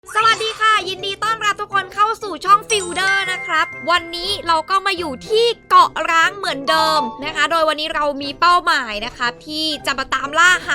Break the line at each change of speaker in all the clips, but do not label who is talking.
สวัสดีค่ะยินดีต้อนรับทุกคนเข้าสู่ช่องฟิลเดอร์นะครับวันนี้เราก็มาอยู่ที่เกาะร้างเหมือนเดิมนะคะโดยวันนี้เรามีเป้าหมายนะคะที่จะมาตามล่าหา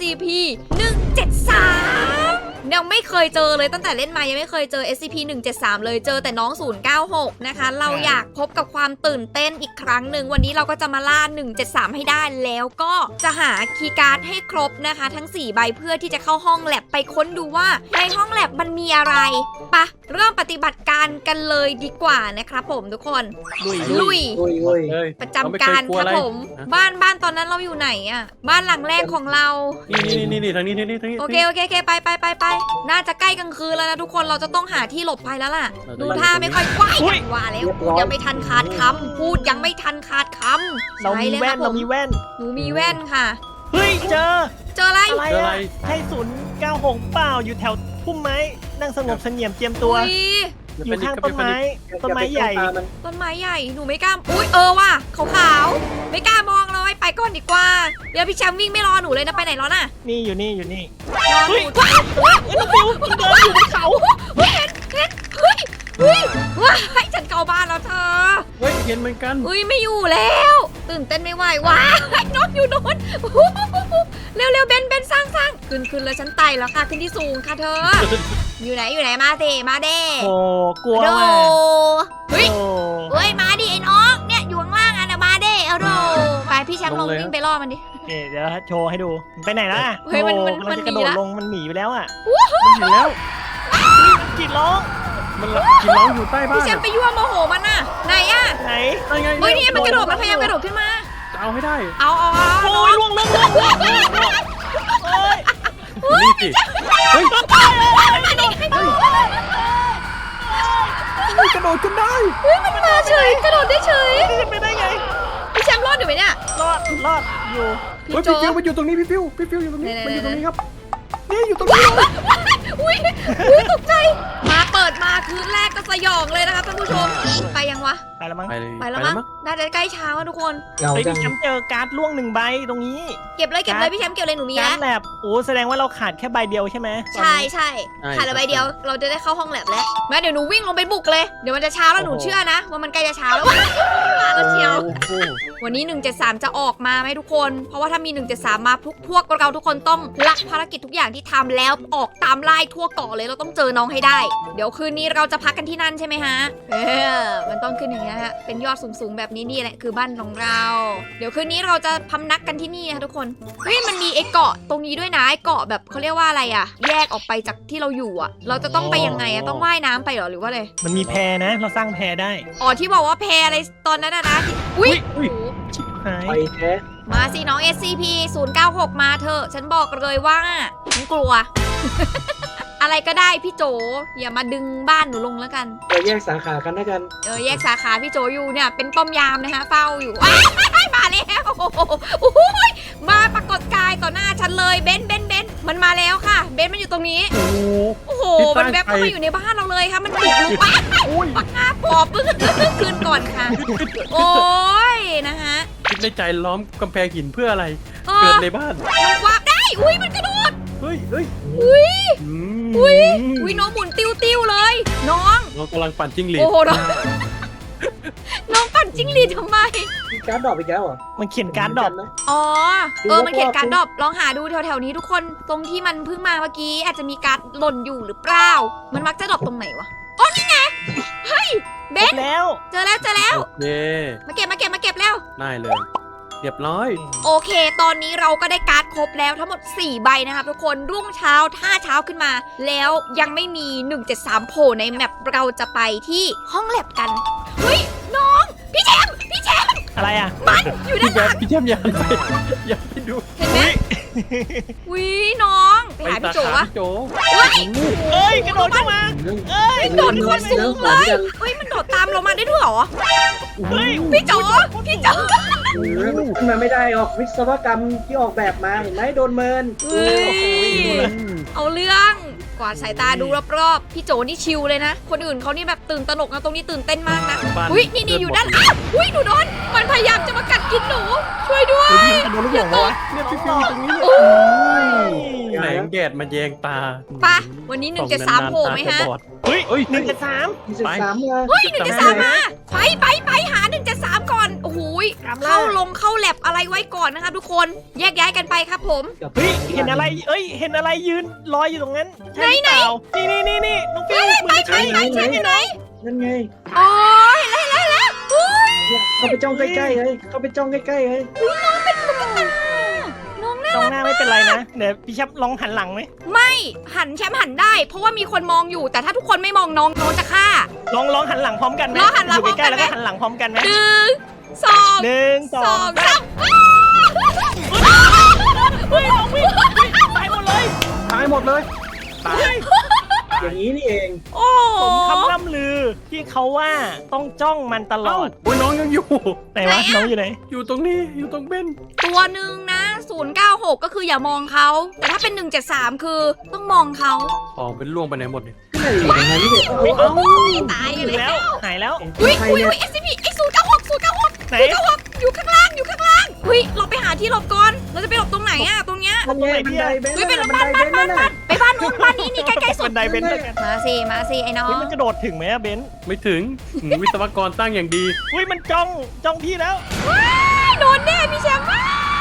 SCP-173 ยังไม่เคยเจอเลยตั้งแต่เล่นมายังไม่เคยเจอ SCP-173 เลยเจอแต่น้อง096นะคะเราอยากพบกับความตื่นเต้นอีกครั้งหนึ่งวันนี้เราก็จะมาล่า173ให้ได้แล้วก็จะหาคีย์การ์ดให้ครบนะคะทั้ง4ใบเพื่อที่จะเข้าห้องแลบไปค้นดูว่าในห้องแลบมันมีอะไรปะเริ่มปฏิบัติการกันเลยดีกว่านะครับผมทุกคนลุยประจำการครับผมบ้านตอนนั้นเราอยู่ไหนอะบ้านหลังแรกของเรา
นี่ทางนี้
โอเคไปน่าจะใกล้กลางคืนแล้วนะทุกคนเราจะต้องหาที่หลบภัยแล้วล่ะดูท่าไม่ค่อยกว้างว่าแล้วพูดยังไม่ทันขาดคำ
เรามีแว่น
หนูมีแว่นค่ะ
เฮ้ยเจอ
อะไร
ใช่096เปล่าอยู่แถวพุ่มไม้นั่งสงบเสงี่ยมเจียมตัวอยู่ข้างต้นไม้ใหญ่
หนูไม่กล้าอุ้ยว่ะขาวๆไม่กล้ามองเลยไปก่อนดีกว่าเดี๋ยวพี่แชมป์วิ่งไม่รอหนูเลยนะไปไหนแล้วน่ะ
นี่อยู่นี่
รอหนูน้องฟิวเดินอยู่บนเขาเฮ้ยว้าให้ฉันเข้าบ้านแล้วเธอ
เห็นเหมือนกัน
ไม่อยู่แล้วตื่นเต้นไม่ไหวว้าน้องอยู่โน่นเร็วเบนสร้างขึ้นเลยฉันไต่แล้วค่ะขึ้นที่สูงค่ะเธออยู่ไหนมาเด้
โอ้กลัวว่ะ
เฮ้ยมาดิไอ้น้องเนี่ยอยู่ข้างล่างอ่ะนะมาเด้เอาโดไปพี่แชมป์ลงวิ่งไปล่อมันดิ
เดี๋ยวโชว์ให้ดูไปไหนล่ะ
เฮ้ยมัน
กระโดดลงมันหนีไปแล้วอ่ะ
มันหนีแล้ว
กรีดร้อง
อยู่ใต้บ้าน
พี่แชมป์ไปยั่วโมโหมันน่ะไหนอ่ะ
ไหน
เฮ้ยนี่มันกระโดดมันพยายามกระโดดขึ้นมา
จะเอาให้ได้
เอา
โอ้ยล่วง
นี่สิเฮ้ยกระโดดขึ้นได้
มันมาเฉยกระโดดได้เฉย
ไม่ได้ไง
พี่แชมป์รอดอยู่ไหมเนี่ย
รอดอยู่
พี่ฟิวมันอยู่ตรงนี้พี่ฟิวอยู่ตรงนี้มันอยู่ตรงนี้ครับนี่อยู่ตรงนี้
อุ้ยตกใจมาเปิดมาคืนแรกก็สยองเลยนะครับท่านผู้ชมไปยังวะ
ไปแล้วมั้ง
น่าจะใกล้เช้าทุกคน
พี่แชมป์เจอการ์ดล่วง1ใบตรงนี้
เก็บเลยพี่แชมป์เก็บเลยหนูมีแล้ว
แลบโอ้แสดงว่าเราขาดแค่ใบเดียวใช่ไหม
ใช่ขาดใบเดียวเราจะได้เข้าห้องแลบแล้วแม่เดี๋ยวหนูวิ่งลงไปบุกเลยเดี๋ยวมันจะเช้าแล้วหนูเชื่อนะว่ามันใกล้จะเช้าแล้วมาแล้วเชียววันนี้173จะออกมาไหมทุกคนเพราะว่าถ้ามี173มาพวกเราทุกคนต้องละภารกิจทุกอย่างที่ทำแล้วออกตามไล่ทั่วเกาะเลยเราต้องเจอน้องให้ได้เดี๋ยวคืนนี้เราจะพักกันที่นั่นใช่ไหมฮะมันต้องขึ้นอย่างนี้ฮะเป็นยอดสูงแบบนี้นี่แหละคือบ้านของเราเดี๋ยวคืนนี้เราจะพำนักกันที่นี่นะทุกคนเฮ้ยมันมีไอ้เกาะตรงนี้ด้วยนะไอ้เกาะแบบเขาเรียกว่าอะไรอะแยกออกไปจากที่เราอยู่อะเราจะต้องไปยังไงอะต้องว่ายน้ำไปหรอหรือว่าอะไร
มันมีแพนะเราสร้างแพได้
อ๋อที่บอกว่าแพอะไรตอนนั้นนะอุ้ย
ชิบหาย
มาสิน้อง SCP-096 มาเถอะฉันบอกเลยว่าฉันกลัว อะไรก็ได้พี่โจอย่ามาดึงบ้านหนูลงแล้วกัน
แยกสาขากันนะกัน
แยกสาขาพี่โจอยู่เนี่ยเป็นป้อมยามนะคะเฝ้าอยู่มาแล้วมาปรากฏกายต่อหน้าฉันเลยเบนมันมาแล้วค่ะเบนมันอยู่ตรงนี้โอ้โหมันแวบเข้ามาอยู่ในบ้านเราเลยค่ะมันบุกลุกป้าปอบปึ้งคืนก่อนค่ะโอ้ยนะคะ
คิดในใจล้อมกำแพงหินเพื่ออะไรเกิดในบ้าน
มันวาร์ปได้มันกระโดด
เฮ้ย
น้องหมุนติ้วเลยน้อง
กำลังปั่นจิ้งหรีด
โอ้โหน้องปั่นจิ้งหรีดทำไม
มีการ์ดดรอปอีกแล้วเหรอ
มันเขียนการ์ดดรอป
นะ
มันเขียนการ์ดดรอปลองหาดูแถวๆนี้ทุกคนตรงที่มันเพิ่งมาเมื่อกี้อาจจะมีการ์ดหล่นอยู่หรือเปล่ามันมักจะดรอปตรงไหนวะอ๋อนี่ไงเฮ้ยเบนเจอแล้วมาเก็บแล้ว
ได้เลยเรียบร้อย
โอเคตอนนี้เราก็ได้การ์ดครบแล้วทั้งหมด4ใบนะครับทุกคนรุ่งเช้าถ้าเช้าขึ้นมาแล้วยังไม่มี173โผล่ในแมปเราจะไปที่ห้องแลบกันเฮ้ยน้องพี่แชมป์
อะไรอ่ะ
มันอยู่ด้านหลัง
พี่แชมป์อย่าไปดู
เห็นไหมวิน้องไปหาพี่โจวะ
เฮ้ยกระโดดเข้ามา
โดดคนสูงเลยเฮ้ยมันโดดตามเรามาได้ด้วยเหรอพี่โจ
ขึ้นมาไม่ได้หรอกวิศวกรรมที่ออกแบบมาเห็นไหมโดนเมิน
เอาเรื่องกวาดสายตาดูรอบๆพี่โจนี่ชิลเลยนะคนอื่นเขานี่แบบตื่นตระหนกนะตรงนี้ตื่นเต้นมากนะนี่อยู่ด้านหนูโดนมันพยายามจะมากัดกินหนูช่วยด้วย
อย่าตกเนี่ยพี่ฟิวตรงนี้มาแสแล้วงแดดมาแยงตา
ไปะวันนี้173โผล่ไหมฮะ
เฮ้ย
เฮ้ย
173
23มา
เฮ้ย173มาไปหา173ก่อนโอ้โหย
ตามล่า
เข้าแลบอะไรไว้ก่อนนะคะทุกคนแยกย้ายกันไปครับผม
เฮ้ยเห็นอะไรเห็นอะไรยืนลอยอยู่ตรงนั้นใช่หรือเปล่านี่น้องฟิวเหมือนจะใช่
ไหนไหน
นั่นไง
อ๋อเห็นแล้วเฮ้ย
เนี่ยเข้าไปจ้องใกล้ๆเลยเข้าไปจ้องใกล้ๆเลย
น้องน่า
ตรงหน้าไม่เป็นไรนะเดี๋ยวพี่ชับลองหันหลังไหม
ไม่แชมป์หันได้ เพราะว่ามีคนมองอยู่แต่ถ้าทุกคนไม่มองน้องจะฆ่า
ลองหันหลังพร้อมกันไหม
ลองหันหลัง
อยู่ใกล้ๆ
พร้อมกันไหม
แล้วก็หันหลังพร้อมกันไหม
1 2
หนึ่งสอง
3
เฮ้ยน้องวิ่งตายหมดเลย
ตายหมดเลยตาย
อย่างนี้นี่เอง
โอ้
ผมคำล่ำลือที่เขาว่าต้องจ้องมันตล
เอ้า
อด
โอ้ยน้องยังอยู่
ไหนวะน้องอยู่ไหน
อยู่ตรงนี้อยู่ตรงเบน
ตัวหนึ่งนะ096ก็คืออย่ามองเขาแต่ถ้าเป็น173คือต้องมองเขา
ของเป็นล่วงไปไหนหมดเนี่ย
ที่ไหนอยู่ยังไงนี่เนี่ย
เอ้า
ตาย
อ
กัน
ยู่
เลย
แล้วหายแล้ว
อุ้ย
ใคร
อุ้ย
เนี่ย
SCP ไอ้096
ไหน
อยู่ข้างล่างเฮ้ยเราไปหาที่หลบก่อนเราจะไปหลบตรงไหนอะตรงเนี้ย
มันไงบันไดเบน
เฮ้ยไป
น่ะ
บ้าน
บันไดเบนน่ะ
ไปบ้านนู้นบ้านนี้นี่ใกล้ๆสุ
บั
ด
นไดเบนซ์ด้วยกัน
มาสิไอ้น้อ
เฮ้ย
ง
มันกระโดดถึงไหมอะเบนซ์
ไม่ถึงวิศวกรตั้งอย่างดี
อุ้ยมันจ้องพี่แล้ว
โดนแน่พี่แชมป์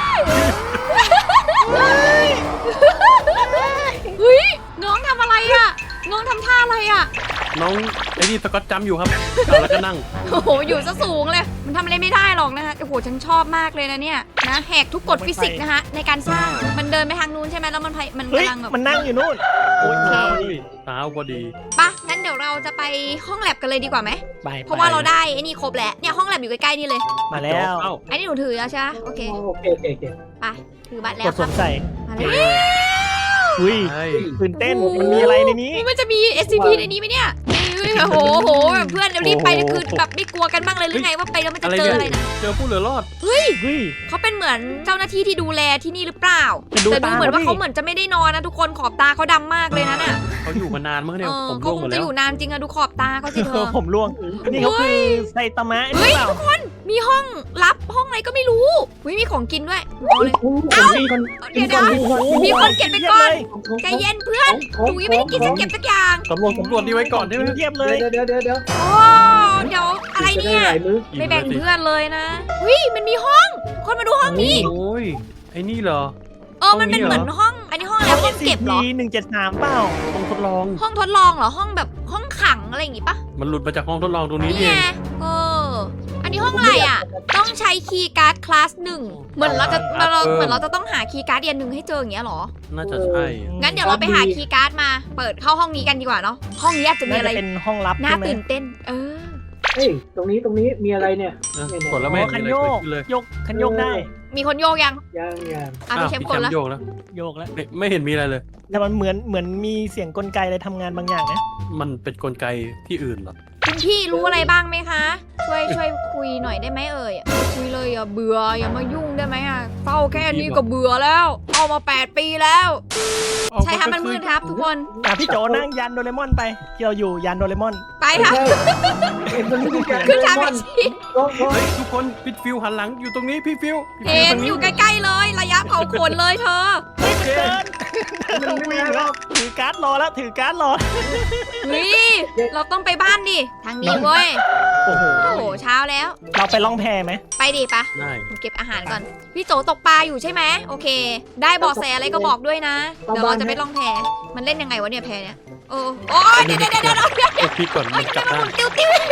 เฮ้ยน้องทำอะไรอะน้องทำท่าอะไรอะ
น้องไอ้นี่สกอตจำอยู่ครับเอาแล้วก็นั่ง
โอ้โหอยู่ซะสูงเลยมันทำอะไรไม่ได้หรอกนะคะโอ้โหฉันชอบมากเลยนะเนี่ยนะแหกทุกกฎฟิสิกส์นะคะในการสร้างมันเดินไปทางนู้นใช่ไหมแล้วมัน
เฮ้ย
กำลังแบบ
มันนั่งอยู่นู่น
โอ้ย
โอเค
เช้าดิเช้าพอดี
ปะงั้นเดี๋ยวเราจะไปห้องแลบกันเลยดีกว่าไหม
ไป
เพราะว่าเราได้ไอ้นี่ครบแล้วเนี่ยห้องแลบอยู่ใกล้ๆนี่เลย
มาแล้ว
เอ้า
ไอ้นี่หนูถือแล้วใช่ไหมโอเค
โอเค
ไปถือบัตรแล้
ก
ว
ด
ค
ส
รับ
วมใส่
มาแล้ว
อุ้ย
ใช่
ตื่นเต้นมันมีอะไรในนี้
มันจะมี SCP ในนี้ไหมเนี่ยโอ้โหแบบเพื่อนเดี๋ยวรีบไปคือแบบไม่กลัวกันบ้างเลยหรือไงว่าไปแล้วมันจะเจออะไรนะ
เจอผู้เหลือรอด
เฮ้ย
เขาเป็นเหมือนเจ้าหน้าที่ที่ดูแลที่นี่หรือเปล่า
แต่ดู
แต่ดูเหมือนว่า
ตา
เขาเหมือนจะไม่ได้นอนนะทุกคนขอบตาเขาดำมากเลยนะเนี่ย
เขาอยู่มานานมากเนี่ยผม
เขา
ร่วง
ค
หม
ง
ด
จะ
แล้
อ
ว
ยู่นานจริงอะดูขอบตาเขาสิเธอ
ผมร่วงนี่เขาคือไซตามะหรือ
เฮ้ย
เปล่า
ทุกคนมีห้องลับห้องอะไรก็ไม่รู้มีของกินด้วยเอาเลย
กินก่อน
มีคนเก็บไปก่อน
เลย
ใจเย็นเพื่อนหนูยังไม่ได้กินสักเก็บสักอย่าง
สำรวจนี่ไว้ก่อนได้ไหม
เทียบเลย
เดี๋ยว
โอ้เดี๋ยวอะไร
จะได้
เนี่ย
หลายมื้อ
ไม่แบ่งเพื่อนเลยนะวิมันมีห้อง คนมาดูห้องนี้
โอ้ยไอ้นี่เหรอ
มันเป็นเหมือนห้อง อันนี้ห้องอะไรห้องเก็บเหรอ
173เปล่า
ห้องทดลอง
ห้องทดลองเหรอ ห้องแบบห้องขังอะไรอย่างงี้ปะ
มันหลุดมาจากห้องทดลองตรงนี้
นี่
นี่เอ
ไง
ง
อันนี้ห้องอะไรอ่ะ ต้องใช้คีย์การ์ดคลาสหนึ่งเหมือนเราจะต้องหาคีย์การ์ดเรียนหนึ่งให้เจออย่างเงี้ยเหรอ
น่าจะใช่
งั้นเดี๋ยวเราไปหาคีย์การ์ดมา เปิดเข้าห้องนี้กันดีกว่าเนาะ ห้องนี้อาจจะมี
น่า
อะไร
จะเป็นห้องลับ
น่า
ใช่ไหม
ตื่นเต้น
เฮ้ยตรงนี้มีอะไรเนี่ย
กดแล้วไม่
อ๋อ
เห็
คั
น
น
อะไร
โย
เกิด
ก
ขึ้นเลย
คันโยกได้
มีคนโยกยัง
ยัง
พี่เชฟคนละ
โยกแล้ว
โยกแล้ว
ไม่เห็นมีอะไรเลย
แต่มันเหมือนมีเสียงกลไกอะไรทำงานบางอย่างนะ
มันเป็นกลไกที่อื่นเหรอ
คุณพี่รู้อะไรบ้างไหมคะ ช่วยคุยหน่อยได้ไหมเอ่ยคุยเลยเบื่ออย่ามายุ่งได้ไหมเฝ้าแค่นี้ก็เบื่อแล้วเอามา8 ปีแล้ว ใช่ครับมันมืดครับทุกคน
พี่โจนั่งยันโดเรมอนไปที่เราอยู่ยันโดเรมอน
ไปค่ะ
เห็นมันไม่มีการ
ขึ้นทางแท็กซี่
เฮ้ยทุกคนพี่ฟิวหันหลังอยู่ตรงนี้พี่ฟิว
เห็นอยู่ใกล้ๆเลย ระยะเผาขนเลยเธอ
เฮ้ยเดินเราวิ่งแล้วถือการ์ดรอแล้วถือการ์ดรอ
นี่เราต้องไปบ้านดิทางนี้เว้ย
โอ้โห
โอ้โหเช้าแล้ว
เราไปล่องแพไหม
ไปดิปะ
ได้
ผมเก็บอาหารก่อน พี่โจตกปลาอยู่ใช่ไหมโอเค ได้เบาะแสอะไรก็บอกด้วยนะ เดี๋ยวเราจะไปล่องแพมันเล่นยังไงวะเนี่ยแพเนี่ยโอ้ยเดี๋ยว
พี่ก่อนมันจับได้
ติ้ว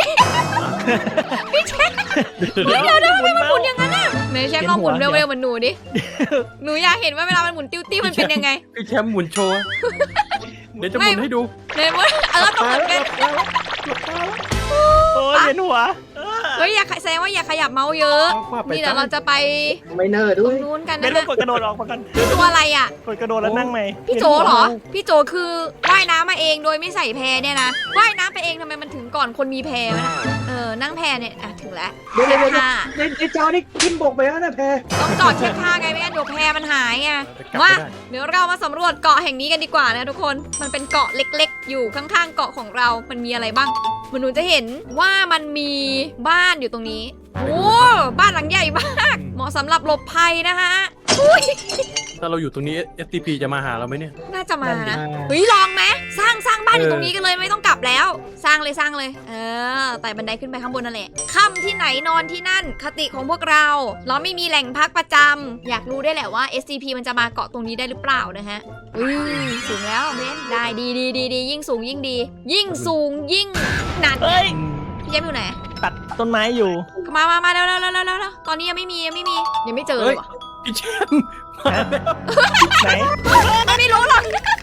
พี่เชฟ
เดี๋ยวเดี๋ยว
มันหมุนอย่างนั้นน่ะไหนเชฟลองหมุนเร็วๆเหมือนหนูดิ หนูอยากเห็นว่าเวลามันหมุนติ้วมันเป็นยังไง
พี่แชมป์หมุนโชว์เดี๋ยวจะหมุนให้ดู
ไหนวะต้องหมุนกัน
โอ้ยเห็นหัว
เฮ้ยอย่าแสดงว่าอย่าขยับเมาส์เยอะ นี่เดี๋ยวเราจะไป
ไม่เนอร์
ต
ด้
ร
วย
งนู้นกัน
ไม่
นะ
ต้อง
คะ
กดกระโดดออกมาก่อน
ตัวอะไรอ่ะ
กดกระโดดแล้วนั่งไหม
พี่โจเหรอ พี่โจคือว่ายน้ำมาเองโดยไม่ใส่แพเนี่ยนะ ว่ายน้ำไปเองทำไมมันถึงก่อนคนมีแพวะนะนั่งแพเนี่ยถึงแล้ว
เดี๋ยว
เทียบท่า
ในจอนี่ขึ้นบกไปแล้วนะแพร
ต้องจอดเทียบท่าไงไม่งั้นเดี๋ยวแพมันหายไง
กลับ
มา
ไม่ได้
เดี๋ยวเรามาสำรวจเกาะแห่งนี้กันดีกว่านะทุกคน มันเป็นเกาะเล็กๆ อยู่ข้างๆเกาะของเรา มันมีอะไรบ้างหนูจะเห็นว่ามันมีบ้านอยู่ตรงนี้ โอ้ บ้านหลังใหญ่มาก เหมาะสำหรับหลบภัยนะคะ
ถ้าเราอยู่ตรงนี้ STP จะมาหาเราไหมเนี่ย
น่าจะมา
นั่นดิ
นะเฮ้ยลองไหมสร้างบ้านอยู่ตรงนี้กันเลยไม่ต้องกลับแล้ว สร้างเลยไต่บันไดขึ้นไปข้างบนนั่นแหละค่ำที่ไหนนอนที่นั่นคติของพวกเราไม่มีแหล่งพักประจำอยากรู้ได้แหละว่า SCP มันจะมาเกาะตรงนี้ได้หรือเปล่านะฮะสูงแล้วเบนได้ดียิ่งสูงยิ่งดี ยิ่งสูงยิ่งหนัก
เฮ้ย
พี่แย้มอยู่ไหน
ตัดต้นไม้อยู่
มาเร็วตอนนี้ยังไม่เจอเลยว่ะ
พี่แชมป์มาแล้ว
ไหน
มันไม่รู้หรอก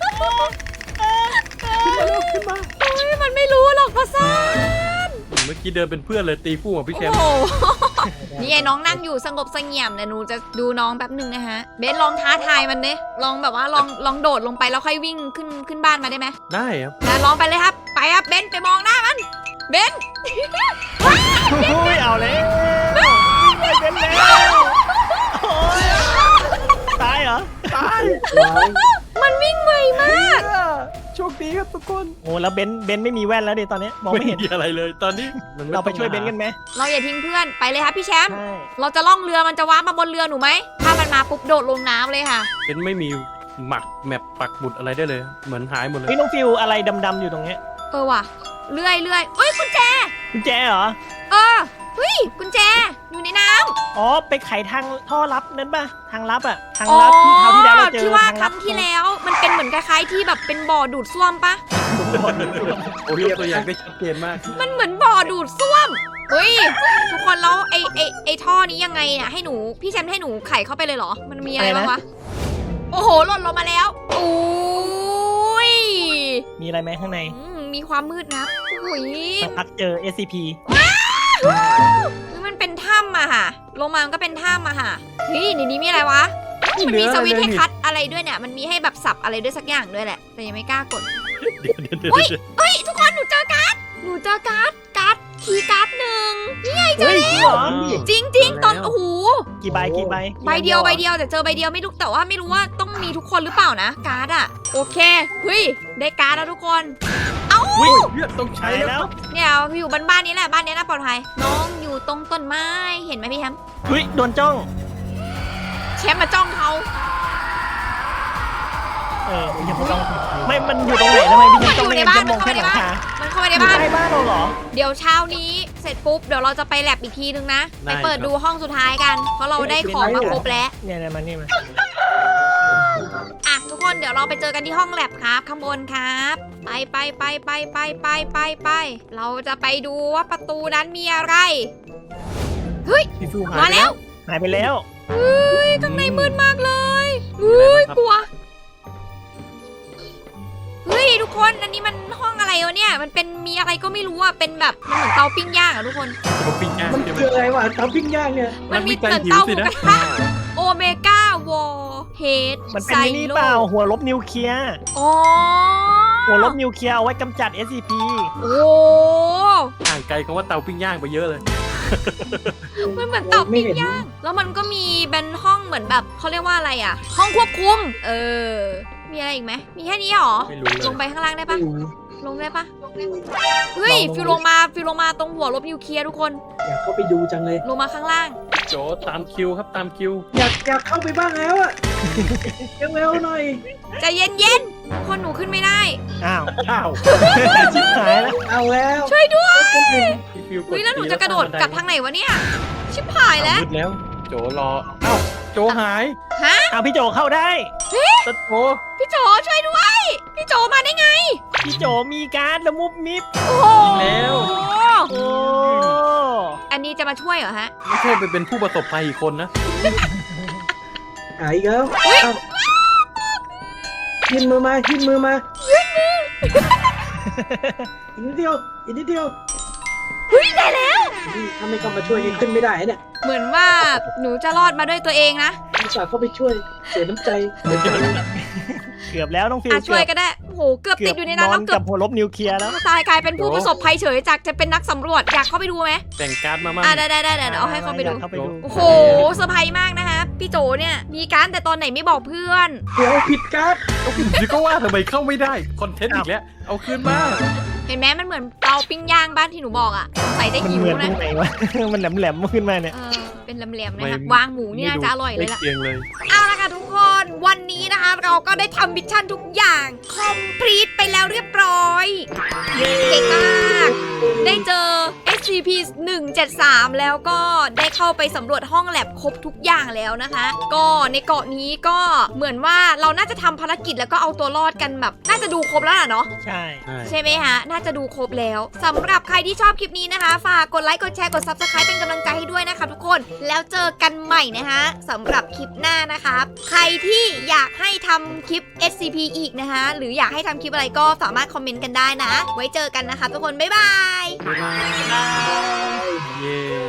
ขึ้นมา
มันไม่รู้หรอกภาษา
เมื่อกี้เดินเป็นเพื่อนเลยตีคู่กับพี่แชมป์
โอ้โหนี่ไอ้น้องนั่งอยู่สงบเสงี่ยมเนี่ยหนูจะดูน้องแป๊บหนึ่งนะฮะเบนลองท้าทายมันเนี่ยลองแบบว่าลองโดดลงไปแล้วค่อยวิ่งขึ้นบ้านมาได้ไหม
ได้ครับ
ลองไปเลยครับไปครับเบนไปมองหน้ามันเบน
ไม่เอาแล้วไม่เป็นแล้วโอ้ยตายเหรอ
ตาย
มันวิ่งไวมาก
โชคดีครับทุกคน
โอ้แล้วเบนไม่มีแว่นแล้วดิตอนนี้มองไม่เห็น
มีอะไรเลยตอนนี้มันม่
เราไป
ต้อง
ช่วยเบนกันไหม
เราอย่าทิ้งเพื่อนไปเลยครับพี่แชมป์
ใช่
เราจะล่องเรือมันจะว้ามาบนเรือหนูไหมถ้ามันมาปุ๊บโดดลงน้ำเลยค่ะ
เป็นไม่มีหมักแมปปักหมุดอะไรได้เลย เหมือนหายหมดเลย
พี่น้องฟิวอะไรดำๆอยู่ตรงเนี้ย
ว่ะเลื่อยเอ้ยกุญแจ
กุญแจเหรอ
เฮ้ยกุญแจอยู่ในน้ำ
อ๋อไปไขทางท่อลับนั้นป่ะทางลับอ่ะทางลับที่คราวที่แล้วเราเจอ
ที่ว่า
ทาง
ค
ลั
รั้งที่แล้วมันเป็นเหมือนคล้ายๆที่แบบเป็นบ่อดูดซ่วมปะ
โอ้ยกตัวอย่างได้ชัดเจนมาก
มันเหมือนบ่อดูดซ่วมเฮ้ยทุกคนแล้วไอ้ท่อนี้ยังไงเนี่ยให้หนูพี่แชมป์ให้หนูไขเข้าไปเลยเหรอมันมีอะไรบ้างวะโอ้โหหล่นลงมาแล้วอุ้ย
มีอะไรไหมข้างใน
มีความมืดนะอุ้ย
สักพักเจอ SCP
มันเป็นถ้ำอะค่ะลงมามันก็เป็นถ้ำอะค่ะเฮ้ยในนี้มีอะไรวะมันมีสวิตช์ให้คัดอะไรด้วยเนี่ยมันมีให้แบบสับอะไรด้วยสักอย่างด้วยแหละแต่ยังไม่กล้ากด
เดี๋ยว
เฮ้ยทุกคนหนูเจอการ์ดคีย์การ์ดหนึ่งนี่ไงเจอ
เฮ้ย
แล้ว
เหรอ
จริงๆตอนโอ้โห
กี่ใบ
ใบเดียวแต่เจอใบเดียวไม่รู้แต่ว่าไม่รู้ว่าต้องมีทุกคนหรือเปล่านะการ์ดอะโอเคเฮ้ยได้การ์ดแล้วทุกคน
วิ่งต้องใช้
ใช่
แล้
แล้ว ว
เนี่ยอยู่บ้านนี้แหละบ้านนี้น่าปลอดภัยน้องอยู่ตรงต้นไม้เห็นไหมพี่แชมป์
เฮ้ยโดนจ้อง
แชมป์มาจ้องเขา
พี่ยังไม่ต้องไม่มันอยู่ตรงไหนทำไมพี่ยังต้องไม่เห็นจะมองแค่หลังคา
มันเข้าไปใน
อยู่
บ้าน
ใต้บ้านเราเหรอ
เดี๋ยวเช้านี้เสร็จปุ๊บเดี๋ยวเราจะไปแลบอีกทีนึงนะไปเปิดดูห้องสุดท้ายกัน เพราะเราได้ของมาครบแล้ว
เนี่ยมันนี่มา
อ่ะทุกคนเดี๋ยวเราไปเจอกันที่ห้องแลบครับข้างบนครับไปเราจะไปดูว่าประตูนั้นมีอะไรเฮ้ย
พี่ฟิวหาย
มาแล้ว
หายไปแล้ว
เฮ้ยข้างในมืดมากเลยเฮ้ยกลัวเฮ้ยทุกคนอันนี้มันห้องอะไรวะเนี่ยมันเป็นมีอะไรก็ไม่รู้อ่ะเป็นแบบมันเหมือนเตาปิ้งย่างอ่ะทุกคน
เขาปิ้งย่าง
มัน
ใช่ไหม
คืออะไรวะเตาปิ้งย่างเนี่ย
มันมี
มันมี
เหมือน
การ
เตาห
หิวสิ
มู
นะ
กระทะโอเมก้าวอลเฮด
มันเป็นนี่เปล่าหัวลบนิวเคลียร์
อ๋อ
หัวลบนิวเคลียร์เอาไว้กำจัด SCP
โอ้
ห่างไกลคำว่าเตาปิ้งย่างไปเยอะเลย
มันเหมือนเตาปิ้งย่างแล้วมันก็มีเป็นห้องเหมือนแบบเขาเรียกว่าอะไรอ่ะ ห้องควบคุมมีอะไรอีกไหมมีแค่นี้เหรอ
ไม่รู้เลย
ลงไปข้างล่างได้ปะ
ไม่รู้
ลงได้ปะเฮ้ยฟิวลงมาตรงหัวลบนิวเคลียร์ทุกคน
อยากเข้าไปดูจังเลย
ลงมาข้างล่าง
โจตามคิวครับตามคิว
อยากเข้าไปบ้างแล้วอะยังเร็วหน่อย
ใจเย็นๆคนหนูขึ้นไม่ได้
อ้าว
อ้าว
ชิบหายแล้ว
เอาแล้ว
ช่วยด้วย
พี่ฟิวกด
เฮ้ยแล้วหนูจะกระโดดกลับทางไหนวะเนี่ยชิบหายแล้ว
มืดแล้ว โจรอเอ้าโจหาย
ฮะ
อ้าวพี่โจเข้าได้
ตะโจ
พี่โจช่วยด้วย พี่โจมาได้ไง
พี่โจมีการ์ดละมุบมิบ
โอ้โห
แล้ว
โอ้
อันนี้จะมาช่วยเหรอฮะ
ไม่ใช่ไปเป็นผู้ประสบภัยอีกคนนะ
หายอีกแล้วเอายินมือมาอีกนิดเดียว
เฮ้ยได้แล้ว
ถ้าไม่เข้ามาช่วยนี่ขึ้นไม่ได้เนี่ย
เหมือนว่าหนูจะรอดมาด้วยตัวเองนะ
อุตส่าห์เข้าไปช่วยเสียน้ำใจ
เกือบแล้วน้องฟิว
ช่วยก็ได้โอ้โหเกือบติดอยู่ในนั้น
นอ
แล้ว
น
เกือ
กับบ หัวลบนิวเคลียร์แล้ว
ตายกลายเป็นผู้ประสบภัยเฉยจากจะเป็นนักสำรวจอยากเข้าไปดูไหม
แต่งการ์ดมามั่ง
ได้เดี๋ยวเอาให้เขาไปดู
อยกเข้าไปดู
โอ้โหเซอร์ไพรส์มากนะคะพี่โจเนี่ยมีการแต่ตอนไหนไม่บอกเพื่อน
เดี๋ยวผิดการ์ด
เดี๋ยวก็ว่าทำไมเข้าไม่ได้คอนเทนต์อีกแล้วเอาคืนมา
เห็นไหมมันเหมือนเตาปิ้งย่างบ้านที่หนูบอกอ่ะสงสัยจะ
มัน
หิว
เหมือนตร
นะ
งไหนวะ มันแหลมๆขึ้นมาเนี่ย
เออเป็นแหลมๆนะคะวางหมูนี่น่าจะอร่อยเลยล่ะ
เกียงเลย
เอาละค่ะทุกคนวันนี้นะคะเราก็ได้ทำมิชชั่นทุกอย่างคอมพลีทไปแล้วเรียบร้อยเก่งมากได้เจอ SCP 173แล้วก็ได้เข้าไปสำรวจห้องแลบครบทุกอย่างแล้วนะคะ ก็ในเกาะนี้ก็เหมือนว่าเราน่าจะทำภารกิจแล้วก็เอาตัวรอดกันแบบน่าจะดูครบแล้วล่ะเนาะ
ใช่
ใช่ไหมฮะน่าจะดูครบแล้วสำหรับใครที่ชอบคลิปนี้นะคะฝากกดไลค์กดแชร์กด Subscribe เป็นกำลังใจให้ด้วยนะคะทุกคนแล้วเจอกันใหม่นะคะสำหรับคลิปหน้านะคะใครที่อยากให้ทำคลิป SCP อีกนะคะหรืออยากให้ทำคลิปอะไรก็สามารถคอมเมนต์กันได้นะไว้เจอกันนะคะทุกคนบ๊ายบาย
บ๊ายบาย เย้